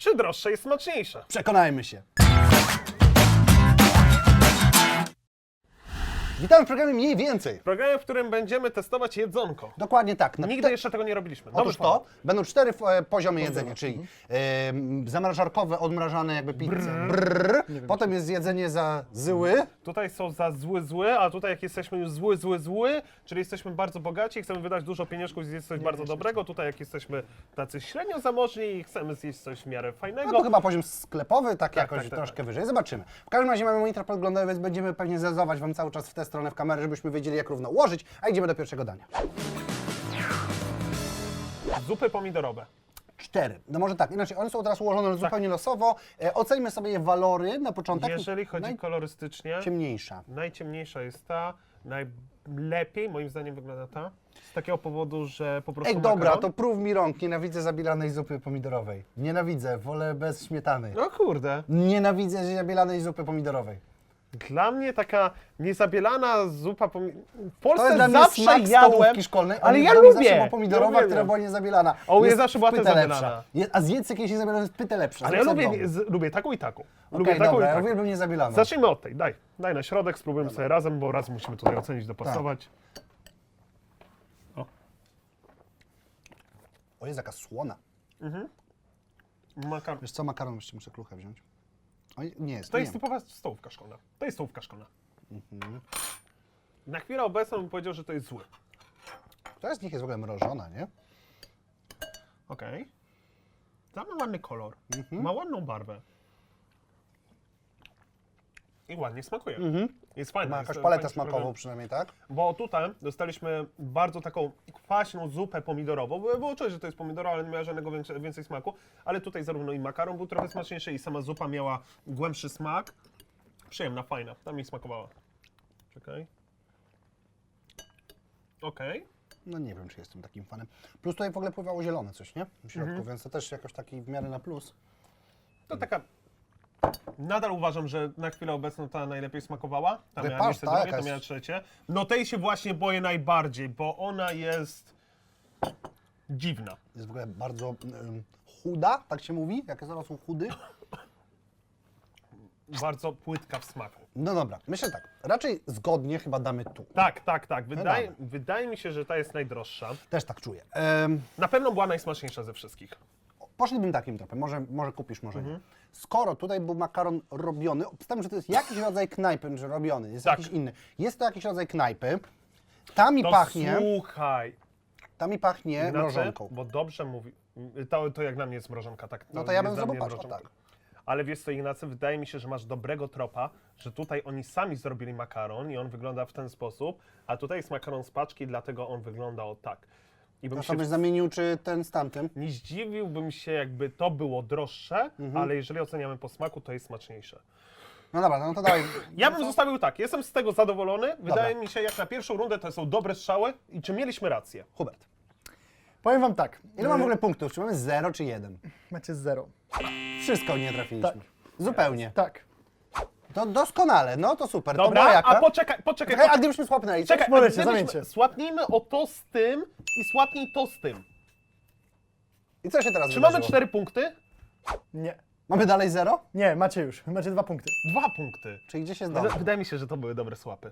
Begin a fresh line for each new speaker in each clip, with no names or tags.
czy droższe jest smaczniejsze?
Przekonajmy się. Witamy w programie Mniej Więcej.
W programie, w którym będziemy testować jedzonko.
Dokładnie tak.
Nigdy jeszcze tego nie robiliśmy. Dobry
Otóż
format.
to będą 4 poziomy jedzenia, czyli zamrażarkowe, odmrażane jakby pizze. Potem jest jedzenie za zyły.
Tutaj są za zły, a tutaj jak jesteśmy już zły, czyli jesteśmy bardzo bogaci i chcemy wydać dużo pieniążków i zjeść coś bardzo dobrego. Tutaj jak jesteśmy tacy średnio zamożni i chcemy zjeść coś w miarę fajnego.
No to chyba poziom sklepowy, tak jakoś
tak,
troszkę
tak.
wyżej. Zobaczymy. W każdym razie mamy monitor podglądowy, więc będziemy pewnie zezować Wam cały czas w tę stronę w kamerę, żebyśmy wiedzieli, jak równo ułożyć, a idziemy do pierwszego dania.
Zupy pomidorowe.
4. No może tak, inaczej one są teraz ułożone zupełnie losowo. Oceńmy sobie je walory na początek.
Jeżeli chodzi kolorystycznie,
Najciemniejsza.
najciemniejsza jest ta, najlepiej moim zdaniem wygląda ta. Z takiego powodu, że po prostu
Ej, dobra,
makaron.
to prób mi rąk. Nienawidzę zabielanej zupy pomidorowej. Nienawidzę, wolę bez śmietany.
No kurde.
Nienawidzę zabielanej zupy pomidorowej.
Dla mnie taka niezabielana zupa w
To jest
Polsce
dla mnie
zawsze
smak
jadłem,
stołówki szkolnej,
ale ja
w domu
lubię.
zawsze była pomidorowa,
Ja
która
uwielbiam.
była niezabielana.
A u mnie
Jest
zawsze była
pyta
też
lepsza.
zabielana.
A zjedz jakieś niezabielane, jest pyta lepsza.
Ale ja
zrób w domu.
lubię taką i taką.
Okej,
Lubię taką i
dobra, ja
taką.
uwielbiam niezabielaną.
Zacznijmy od tej, daj na środek, spróbujemy sobie razem, bo raz musimy tutaj ocenić, dopasować.
O, jest jaka słona.
Makaron.
Wiesz co, makaron jeszcze muszę kluchę wziąć. Oj, nie jest,
To
nie.
jest typowa stołówka szkolna. To jest stołówka szkolna. Na chwilę obecną bym powiedział, że to jest zły.
Która z nich jest w ogóle mrożona, nie?
Okej. Ta ma ładny kolor, ma ładną barwę. I ładnie smakuje. Jest fajna.
Ma
jest
jakąś paletę
fajnie
smakową
przyprawiona.
przynajmniej, tak?
Bo tutaj dostaliśmy bardzo taką kwaśną zupę pomidorową. Było czuć, że to jest pomidoro, ale nie miała żadnego więcej smaku. Ale tutaj zarówno i makaron był trochę smaczniejszy i sama zupa miała głębszy smak. Przyjemna, fajna. Tam mi smakowała. Czekaj. Okej.
No nie wiem, czy jestem takim fanem. Plus tutaj w ogóle pływało zielone coś, nie? W środku, więc to też jakoś taki w miarę na plus.
To taka... Nadal uważam, że na chwilę obecną ta najlepiej smakowała. Ta miała
Wypas,
miejsce
ta
drugie,
jakaś-
ta miała trzecie. No tej się właśnie boję najbardziej, bo ona jest dziwna.
Jest w ogóle bardzo chuda, tak się mówi? Jakie zaraz są chudy?
Bardzo płytka w smaku.
No dobra, myślę tak. Raczej zgodnie chyba damy tu.
Tak. Wydaje mi się, że ta jest najdroższa.
Też tak czuję.
Na pewno była najsmaczniejsza ze wszystkich.
Poszlibym takim tropem. Może kupisz, może nie. Skoro tutaj był makaron robiony, obstawiam, że to jest jakiś rodzaj knajpy, że robiony, jest
Tak.
jakiś inny. Jest to jakiś rodzaj knajpy. Ta mi
To
pachnie,
słuchaj,
mrożonką.
bo dobrze mówi. To jak na mnie jest mrożonka, tak.
No to ja bym
jest dla
zrobił
mnie
patrz, o
mrożonka.
tak.
Ale wiesz co, Ignacy, wydaje mi się, że masz dobrego tropa, że tutaj oni sami zrobili makaron i on wygląda w ten sposób, a tutaj jest makaron z paczki, dlatego on wygląda o tak. I bym
To
się
sobie zamienił, czy ten z tamtym?
nie zdziwiłbym się, jakby to było droższe, ale jeżeli oceniamy po smaku, to jest smaczniejsze.
No dobra, no to dawaj.
Ja bym zostawił tak, jestem z tego zadowolony. Wydaje mi się, jak na pierwszą rundę to są dobre strzały i czy mieliśmy rację?
Hubert.
Powiem wam tak.
Ile mam w ogóle punktów? Czy mamy 0 czy 1?
Macie 0.
Wszystko nie trafiliśmy.
Tak.
Zupełnie.
Tak.
To doskonale, no to super. to była
Dobra,
jaka?
a poczekaj.
Czekaj, a gdybyśmy słapnęli?
Czekaj,
możecie,
gdybyśmy-
zamieńcie.
Słapnijmy o to z tym i słapnij to z tym.
I co się teraz
Czy
wydarzyło?
mamy 4 punkty?
Nie.
Mamy dalej 0?
Nie, macie już. Macie 2 punkty.
2 punkty.
Czyli gdzie się zdarzy?
Wydaje mi się, że to były dobre słapy.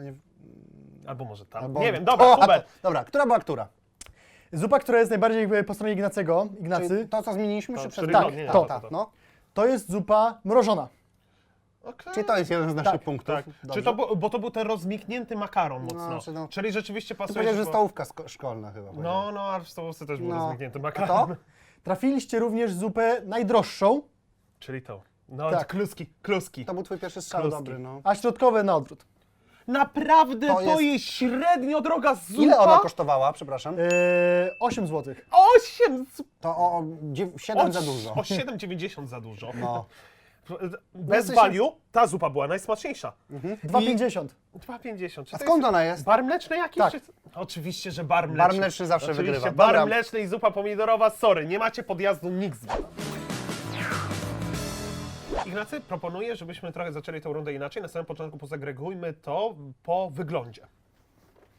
Albo może tam.
Albo-
Nie wiem, dobra,
O, a
Hubert.
to- Dobra, która była która?
Zupa, która jest najbardziej jakby po stronie Ignacy,
Czyli to, co zmieniliśmy,
To,
czy przed
czyli
tak,
no, nie,
tak,
to.
no.
to jest zupa mrożona.
Okej.
Czyli to jest jeden z naszych
Tak,
punktów.
Tak.
Dobrze.
Czy to, bo to był ten rozmiknięty makaron mocno.
czy no-
Czyli rzeczywiście
Ty
pasuje.
powiedziałeś, że
bo-
stołówka szkolna chyba.
No, a w stołówce też był
No.
rozmiknięty
A
makaron.
to?
Trafiliście również zupę najdroższą,
Czyli to. No,
Tak.
kluski.
To był twój pierwszy strzał,
Kluski.
dobry, no.
a środkowe na odwrót.
Naprawdę
To
to
jest-
jest średnio droga zupa.
Ile ona kosztowała, przepraszam?
8 zł.
8!
To o 7 za dużo.
O 7,90 za dużo.
No.
Bez
jesteś-
value ta zupa była najsmaczniejsza.
2,50.
2,50. Czy
A
to
skąd
jest
ona jest?
bar mleczny jakiś?
Tak.
Czy... Oczywiście, że bar mleczny.
Bar mleczny zawsze
Oczywiście,
wygrywa.
bar
Dobra.
mleczny i zupa pomidorowa, sorry, nie macie podjazdu nikt z was. Ignacy, proponuję, żebyśmy trochę zaczęli tę rundę inaczej. Na samym początku pozagregujmy to po wyglądzie.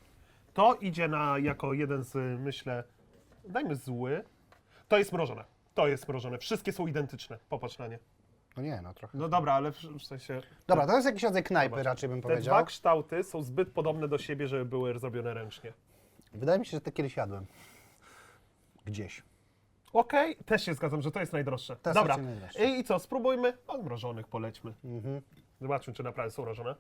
To idzie jako jeden z, myślę, dajmy zły. To jest mrożone. to jest mrożone. Wszystkie są identyczne. Popatrz na nie.
No nie, no trochę.
No dobra, ale w sensie...
Dobra, to jest jakiś rodzaj knajpy
Zobacz.
raczej bym
Te
powiedział.
dwa kształty są zbyt podobne do siebie, żeby były zrobione ręcznie.
Wydaje mi się, że te kiedyś jadłem. Gdzieś.
Okej, też się zgadzam, że to jest najdroższe.
To jest
Dobra,
raczej najdroższe.
i co, spróbujmy? Od mrożonych polećmy. Zobaczmy, czy naprawdę są mrożone.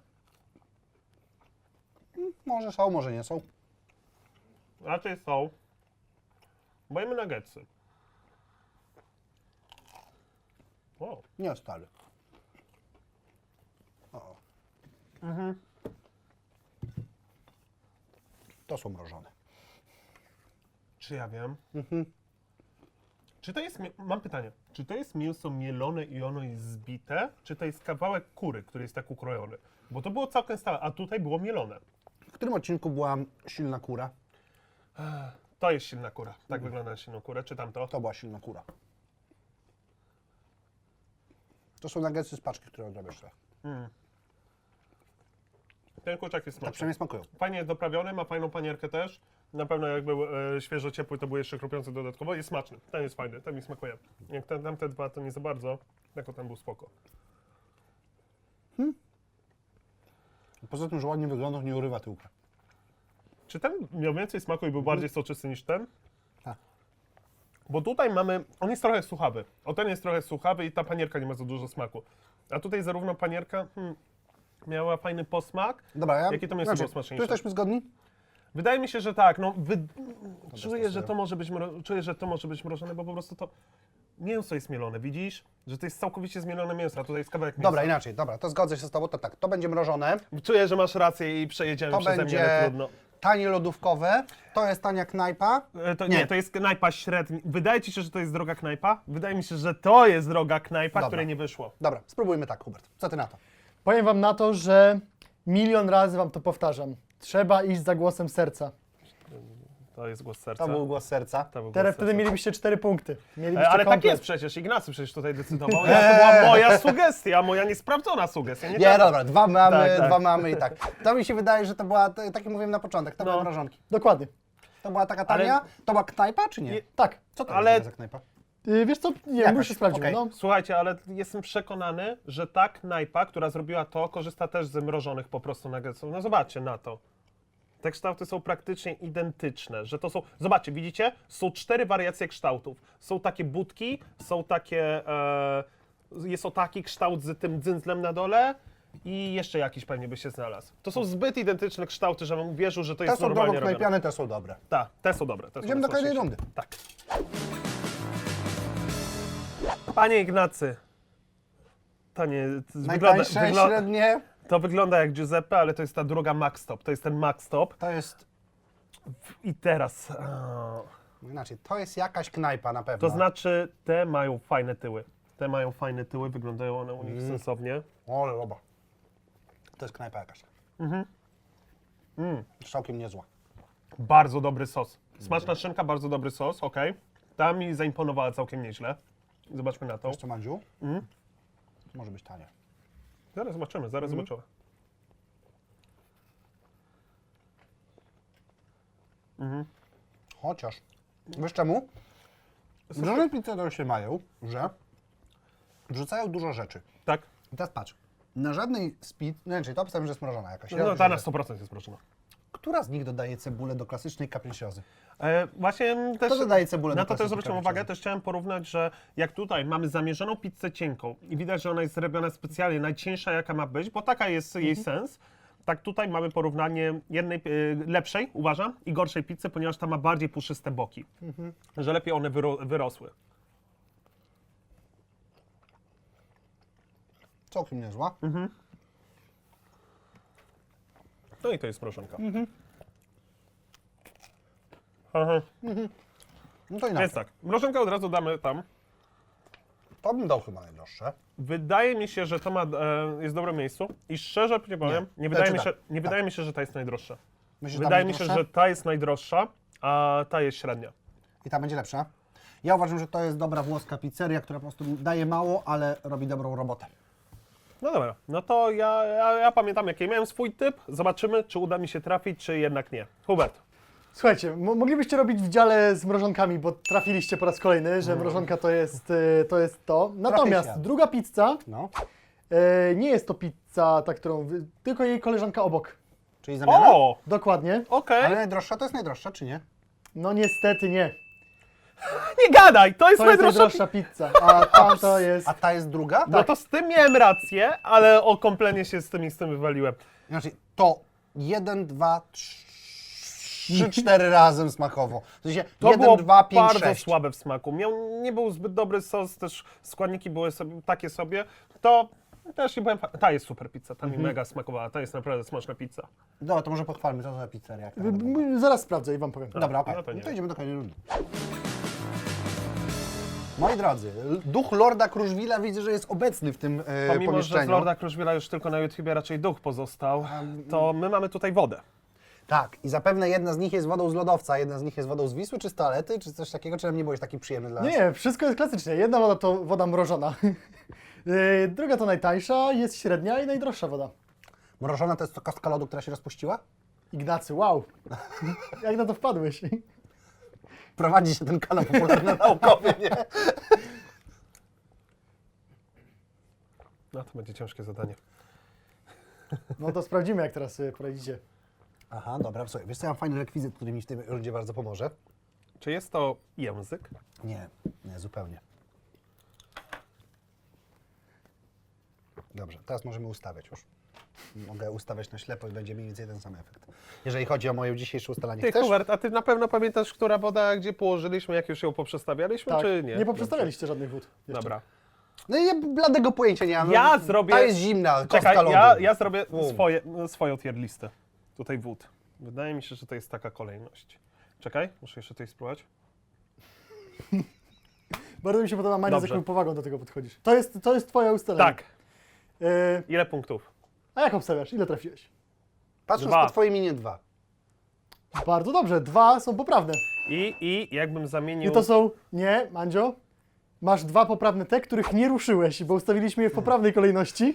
Może są, może nie są.
Raczej są. Bojemy nuggetsy. O,
Nie stary. O. To są mrożone.
czy ja wiem? Czy to jest, mam pytanie, czy to jest mięso mielone i ono jest zbite, czy to jest kawałek kury, który jest tak ukrojony? Bo to było całkiem stałe, a tutaj było mielone.
W którym odcinku była silna kura?
To jest silna kura. Tak wygląda na silną kurę, czy tamto?
To była silna kura. To są nuggetsy z paczki, które odrobisz sobie.
Ten kurczak jest
Tak
smaczny.
przynajmniej smakują.
Fajnie jest doprawiony, ma fajną panierkę też. Na pewno jak był świeżo ciepły, to był jeszcze chrupiący dodatkowo. Jest smaczny. Ten jest fajny, ten mi smakuje. Jak tamte dwa, to nie za bardzo. Jako ten był spoko.
Poza tym, że ładnie wygląda, nie urywa tyłka.
Czy ten miał więcej smaku i był bardziej soczysty niż ten?
Tak.
Bo tutaj mamy, on jest trochę suchawy. O, ten jest trochę suchawy i ta panierka nie ma za dużo smaku. A tutaj zarówno panierka miała fajny posmak.
Dobra,
Jakie to mięso było
tu
smaczniejsze?
jesteśmy zgodni?
Wydaje mi się, że tak. No, czuję, że
testuję.
to może być czuję, że to może być mrożone, bo po prostu to mięso jest mielone, widzisz? Że to jest całkowicie zmielone mięso, a tutaj jest kawałek mięsa.
Dobra, inaczej, dobra, to zgodzę się z tobą, to tak, to będzie mrożone,
Czuję, że masz rację i przejedziemy
to
przeze mnie, ale
będzie
trudno.
tanie lodówkowe, to jest tania knajpa.
Nie, to jest knajpa średnia. Wydaje ci się, że to jest droga knajpa? Wydaje mi się, że to jest droga knajpa,
Dobra.
której nie wyszło.
Dobra, spróbujmy tak, Hubert. Co ty na to?
Powiem wam na to, że milion razy wam to powtarzam. Trzeba iść za głosem serca.
To jest głos serca.
To był głos serca.
To był głos
Teraz wtedy
serca.
mielibyście 4 punkty. Mielibyście
Ale tak
komplet.
jest przecież, Ignacy przecież tutaj decydował. To była moja sugestia, moja niesprawdzona sugestia. Nie,
Nie,
tak.
dobra, dwa mamy,
Tak.
dwa mamy i tak. To mi się wydaje, że to była, tak jak mówiłem na początek, to
No.
były mrożonki.
Dokładnie.
To była taka
Ale-
tania? To była knajpa, czy nie?
Nie.
Tak.
Co to
Ale-
jest za knajpa?
Wiesz co? Nie
Jakaś,
wiem, już się sprawdzimy.
okej.
No.
Słuchajcie, ale jestem przekonany, że ta knajpa, która zrobiła to, korzysta też z mrożonych po prostu nuggetsów. No zobaczcie na to. Te kształty są praktycznie identyczne, że to są... Zobaczcie, widzicie? Są 4 wariacje kształtów. Są takie budki, są takie... jest o taki kształt z tym dzyndzlem na dole i jeszcze jakiś pewnie by się znalazł. To są zbyt identyczne kształty, żebym uwierzył, że to
Te
jest
są drogo
normalnie robione.
knajpiane, te są dobre.
Tak, te są dobre. Te są
Idziemy do kolejnej
najsmaczniejsze.
rundy.
Tak. Panie Ignacy, to nie...
Najtańsze, średnie,
To wygląda jak Giuseppe, ale to jest ta druga Max Stop. To jest ten Max Stop.
to jest,
I teraz...
inaczej, to jest jakaś knajpa na pewno.
To znaczy, te mają fajne tyły. Te mają fajne tyły, wyglądają one u nich sensownie.
Ole, loba. To jest knajpa jakaś. Całkiem niezła.
Bardzo dobry sos. Smaczna szynka, bardzo dobry sos, ok. Ta mi zaimponowała całkiem nieźle. Zobaczmy na to.
Jeszcze Mandziu? Może być tanie.
Zaraz zobaczymy, zaraz zobaczymy.
Chociaż, wiesz czemu? Mrożone pizzerie się mają, że wrzucają dużo rzeczy.
Tak?
I teraz patrz, na żadnej z pizz, no czyli to obstawiam, że jest mrożona jakaś.
No ta na 100% jest proszona.
Która z nich dodaje cebulę do klasycznej capricciozy?
Właśnie też...
Kto dodaje cebulę
Na
do
to też
klasycznej
zwróciłem
capricciozy?
uwagę, też chciałem porównać, że jak tutaj mamy zamierzoną pizzę cienką i widać, że ona jest zrobiona specjalnie, najcieńsza jaka ma być, bo taka jest jej sens, tak tutaj mamy porównanie jednej lepszej, uważam, i gorszej pizzy, ponieważ ta ma bardziej puszyste boki, że lepiej one wyrosły.
Całkiem niezła.
No i to jest mrożonka. Aha.
No to inaczej.
Więc tak, mrożonkę od razu damy tam.
To bym dał chyba najdroższe.
Wydaje mi się, że to ma, jest w dobrym miejscu i szczerze nie powiem,
Nie.
nie wydaje, mi
Znaczy
się,
tak,
nie wydaje mi się, że ta jest najdroższa.
Myślisz, że ta
Wydaje mi
będzie
się,
droższa?
że ta jest najdroższa, a ta jest średnia.
I ta będzie lepsza. Ja uważam, że to jest dobra włoska pizzeria, która po prostu daje mało, ale robi dobrą robotę.
No dobra, no to ja pamiętam jaki miałem swój typ. Zobaczymy, czy uda mi się trafić, czy jednak nie. Hubert,
Słuchajcie, moglibyście robić w dziale z mrożonkami, bo trafiliście po raz kolejny, że mrożonka to jest to. Natomiast
świat.
druga pizza
No,
nie jest to pizza, ta, tylko jej koleżanka obok.
czyli zamiana?
O!
Dokładnie.
Okej.
Ale najdroższa to jest najdroższa, czy nie?
No niestety nie.
Nie gadaj, to jest
To jest
najdroższa
najdroższa pizza, a ta to jest...
A ta jest druga?
No to z tym miałem rację, ale o komplenie się z tym wywaliłem.
Znaczy, to 1, 2, 3, 4 razem smakowo. W sensie
To
1,
było
2, 5,
bardzo
6.
słabe w smaku. Nie był zbyt dobry sos, też składniki były takie sobie. To też nie byłem. Ta jest super pizza, ta mi mega smakowała. Ta jest naprawdę smaczna pizza.
Dobra, to może pochwalmy, co to za pizzeria. jak ta wygląda.
Zaraz sprawdzę i wam powiem.
Dobra, okej.
no to nie.
No to idziemy do kolejnej rundy. Moi drodzy, duch Lorda Kruszwila widzę, że jest obecny w tym
Pomimo, że z
pomieszczeniu.
Lorda Kruszwila już tylko na YouTubie raczej duch pozostał, to my mamy tutaj wodę.
Tak, i zapewne jedna z nich jest wodą z lodowca, jedna z nich jest wodą z Wisły, czy z toalety, czy coś takiego, czy nam nie byłeś taki przyjemny dla nas?
Nie, wszystko jest klasycznie. Jedna woda to woda mrożona. Druga to najtańsza, jest średnia i najdroższa woda.
Mrożona to jest to kostka lodu, która się rozpuściła?
Ignacy, wow. Jak na to wpadłeś?
Prowadzi się ten kanał popularno-naukowy, nie?
No to będzie ciężkie zadanie.
No to sprawdzimy, jak teraz sobie poradzicie.
Aha, dobra, słuchaj, wiesz co, ja mam fajny rekwizyt, który mi w tej rundzie bardzo pomoże.
Czy jest to język?
Nie, nie, zupełnie. Dobrze, teraz możemy ustawiać już. Mogę ustawiać na ślepo i będzie mniej więcej ten sam efekt. Jeżeli chodzi o moje dzisiejsze ustalanie,
Ty,
chcesz?
Hubert, a ty na pewno pamiętasz, która woda, gdzie położyliśmy, jak już ją poprzestawialiśmy,
Tak,
czy nie?
nie poprzestawialiście żadnych wód. jeszcze.
Dobra.
No i ja bladego pojęcia nie mam. No,
Ja zrobię-
Ta jest zimna, kostka
Czekaj,
lodu.
ja zrobię swoją tier listę. Tutaj wód. Wydaje mi się, że to jest taka kolejność. Czekaj, muszę jeszcze tutaj spróbować.
Bardzo mi się podoba, Mania, z
Dobrze.
jaką powagą do tego podchodzisz. To jest twoje ustalenie.
Tak.
E,
Ile punktów?
a jak obstawiasz? Ile trafiłeś?
Patrząc
2.
po twojej minie 2.
Bardzo dobrze, 2 są poprawne.
I jakbym zamienił...
I to są... Nie, Mandzio. Masz 2 poprawne te, których nie ruszyłeś, bo ustawiliśmy je w poprawnej kolejności.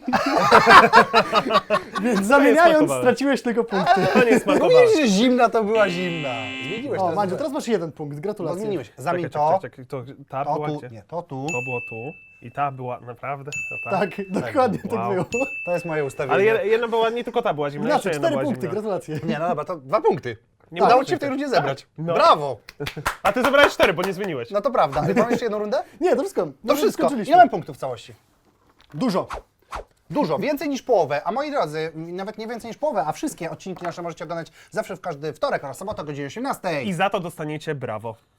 Więc zamieniając
smakowało.
straciłeś tylko punkty.
To nie smakowało.
Mówisz, że zimna to była zimna. Zmieniłeś
O,
teraz.
Mandzio, teraz masz 1 punkt,
No,
gratulacje.
zmieniłeś. Zamień
Czekaj, to ta
to
była
tu,
gdzie?
nie, to tu.
To było tu i ta była naprawdę? To ta.
Tak, dokładnie tak
Wow.
było.
To jest moje ustawienie.
Ale jedna była, nie tylko ta była zimna, jeszcze
Ignacy,
jedna
4
była
punkty,
zimna.
gratulacje.
Nie, no dobra, to 2 punkty.
Nie
Udało
ma
ci się w tej
punkty.
rundzie zebrać.
No.
Brawo!
A ty zebrałeś 4, bo nie zmieniłeś.
No to prawda. Mam jeszcze jedną rundę?
Nie, to wszystko.
To wszystko.
Skończyliśmy.
Ile mam punktów w całości?
Dużo.
Dużo, więcej niż połowę. A moi drodzy, nawet nie więcej niż połowę, a wszystkie odcinki nasze możecie oglądać zawsze w każdy wtorek oraz sobotę o godzinie 18.
I za to dostaniecie brawo.